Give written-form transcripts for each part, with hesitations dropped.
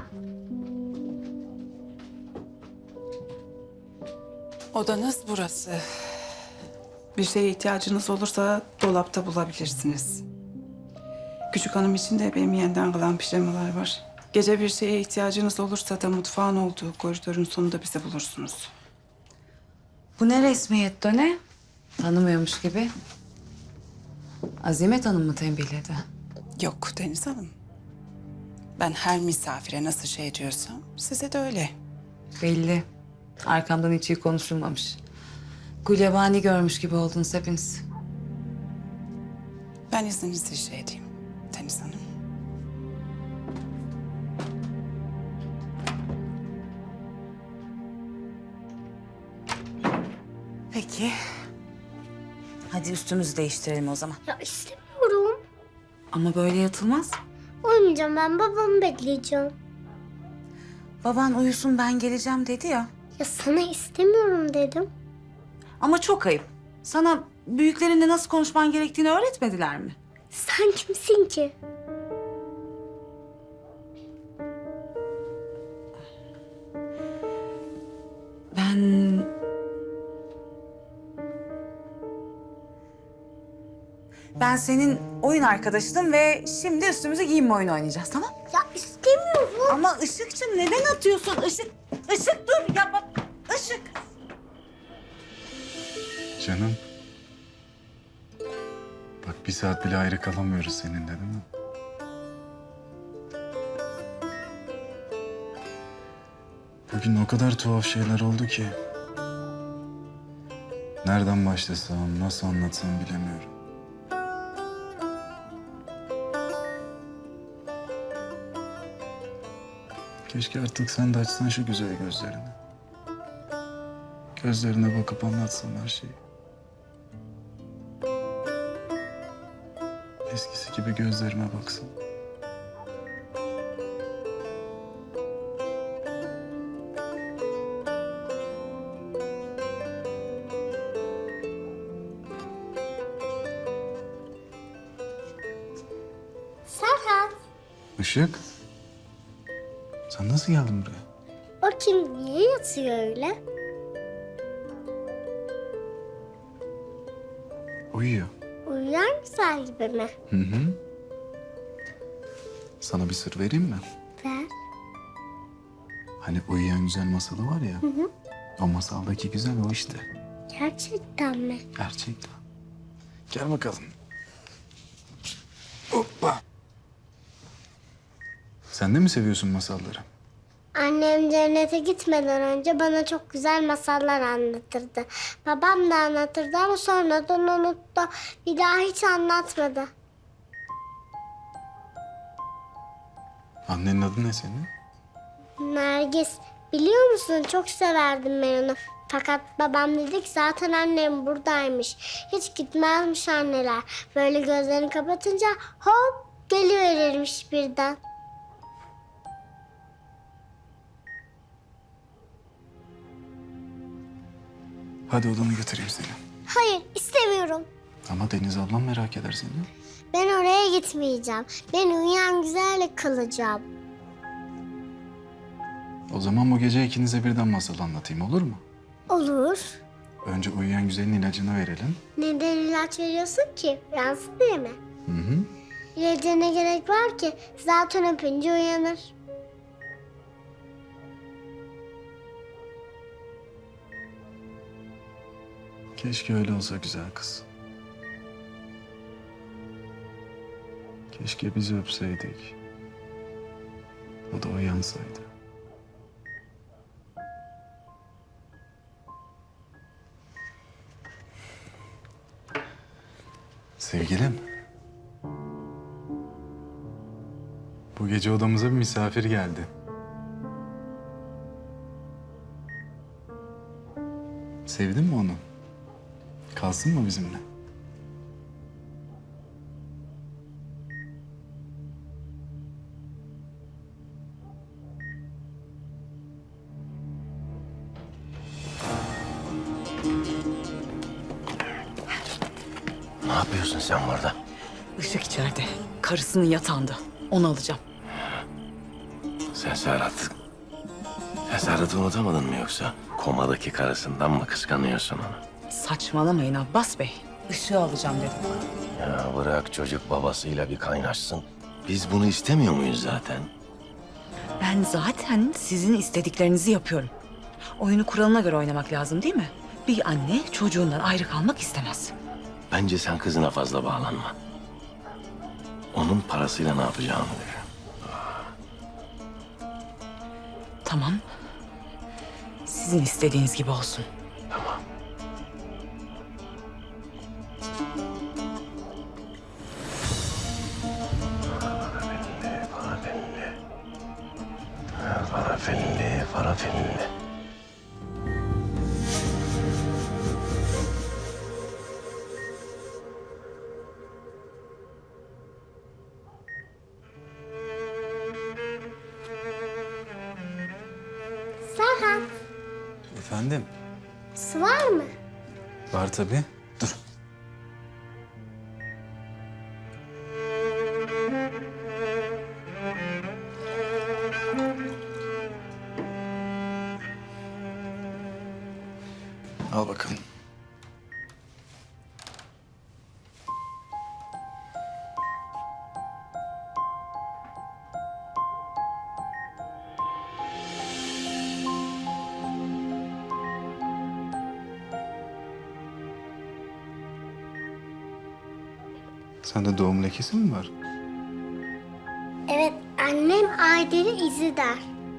Odanız burası. Bir şeye ihtiyacınız olursa dolapta bulabilirsiniz. Küçük hanım için de benim yeniden kalan pijamalar var. Gece bir şeye ihtiyacınız olursa da mutfağın olduğu koridorun sonunda bizi bulursunuz. Bu ne resmiyet Döne? Tanımıyormuş gibi. Azimet Hanım mı tembihledi? Yok Deniz Hanım. Ben her misafire nasıl şey diyorsam size de öyle. Belli. Arkamdan hiç iyi konuşulmamış. Gulyabani görmüş gibi oldunuz hepiniz. Ben izninizle şey edeyim Deniz Hanım. Peki. Hadi üstümüzü değiştirelim o zaman. Ya istemiyorum. Ama böyle yatılmaz. Uyumayacağım, ben babamı bekleyeceğim. Baban uyusun ben geleceğim dedi ya. Ya sana istemiyorum dedim. Ama çok ayıp. Sana büyüklerinle nasıl konuşman gerektiğini öğretmediler mi? Sen kimsin ki? Ben senin oyun arkadaşınım ve şimdi üstümüze giyinme oyunu oynayacağız, tamam? Ya istemiyorum. Ama Işıkçım neden atıyorsun? Işık dur ya bak, Işık. Canım. Bak bir saat bile ayrı kalamıyoruz seninle değil mi? Bugün o kadar tuhaf şeyler oldu ki. Nereden başlasam, nasıl anlatsam bilemiyorum. Keşke artık sen de açsan şu güzel gözlerini. Gözlerine bakıp anlatsan her şeyi. Eskisi gibi gözlerime baksın. Serhat. Işık. Sen nasıl geldin buraya? O kim? Niye yatıyor öyle? Uyuyor. Uyuyan güzel gibi mi? Hı hı. Sana bir sır vereyim mi? Ver. Hani uyuyan güzel masalı var ya. O masaldaki güzel o işte. Gerçekten mi? Gerçekten. Gel bakalım. Hoppa. Sen de mi seviyorsun masalları? Annem cennete gitmeden önce bana çok güzel masallar anlatırdı. Babam da anlatırdı ama sonradan unuttu. Bir daha hiç anlatmadı. Annenin adı ne senin? Nergis, biliyor musun çok severdim ben onu. Fakat babam dedi ki zaten annem buradaymış. Hiç gitmezmiş anneler. Böyle gözlerini kapatınca hop geliverirmiş birden. Hadi odana götüreyim seni. Hayır istemiyorum. Ama Deniz ablam merak eder seni. Ben oraya gitmeyeceğim. Ben uyuyan güzelle kalacağım. O zaman bu gece ikinize birden masal anlatayım olur mu? Olur. Önce uyuyan güzelin ilacını verelim. Neden ilaç veriyorsun ki? Yansın diye mi? Hı hı. İlaca ne gerek var ki? Zaten öpünce uyanır. Keşke öyle olsa güzel kız. Keşke bizi öpseydik. O da uyansaydı. Sevgilim. Bu gece odamıza bir misafir geldi. Sevdin mi onu? Kalsın mı bizimle? Ne yapıyorsun sen burada? Işık içeride. Karısının yatağında. Onu alacağım. Sen Serhat'ı unutamadın mı yoksa? Komadaki karısından mı kıskanıyorsun onu? Saçmalamayın Abbas Bey. Işığı alacağım dedim. Ya bırak çocuk babasıyla bir kaynaşsın. Biz bunu istemiyor muyuz zaten? Ben zaten sizin istediklerinizi yapıyorum. Oyunu kuralına göre oynamak lazım değil mi? Bir anne çocuğundan ayrı kalmak istemez. Bence sen kızına fazla bağlanma. Onun parasıyla ne yapacağını düşün. Tamam. Sizin istediğiniz gibi olsun. Tamam. Farafilli. Serhat, Efendim? su var mı? Var tabii. Dur. Al bakalım. Sende doğum lekesi mi var? Evet, annem Ayder'i izi der.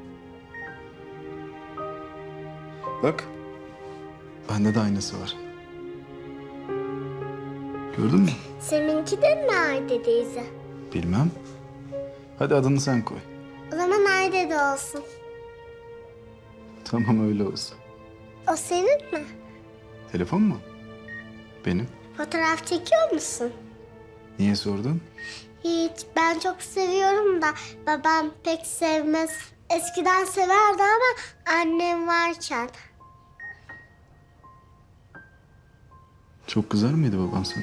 Bak. Bende de aynısı var. Gördün mü? Seninki de mi Ayder'i izi? Bilmem. Hadi adını sen koy. O zaman Ayder de olsun. Tamam öyle olsun. O senin mi? Telefon mu? Benim. Fotoğraf çekiyor musun? Niye sordun? Hiç, ben çok seviyorum da babam pek sevmez. Eskiden severdi ama annem varken. Çok kızar mıydı baban sana?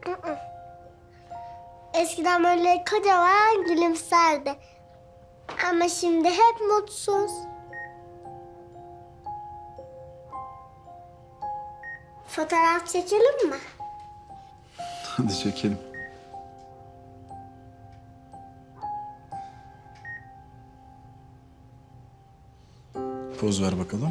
Eskiden böyle kocaman gülümserdi. Ama şimdi hep mutsuz. Fotoğraf çekelim mi? Hadi çekelim. Poz ver bakalım.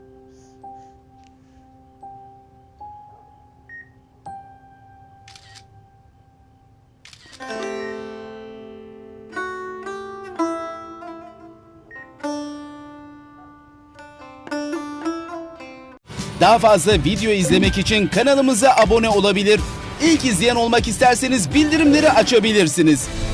Daha fazla video izlemek için kanalımıza abone olabilir. İlk izleyen olmak isterseniz bildirimleri açabilirsiniz.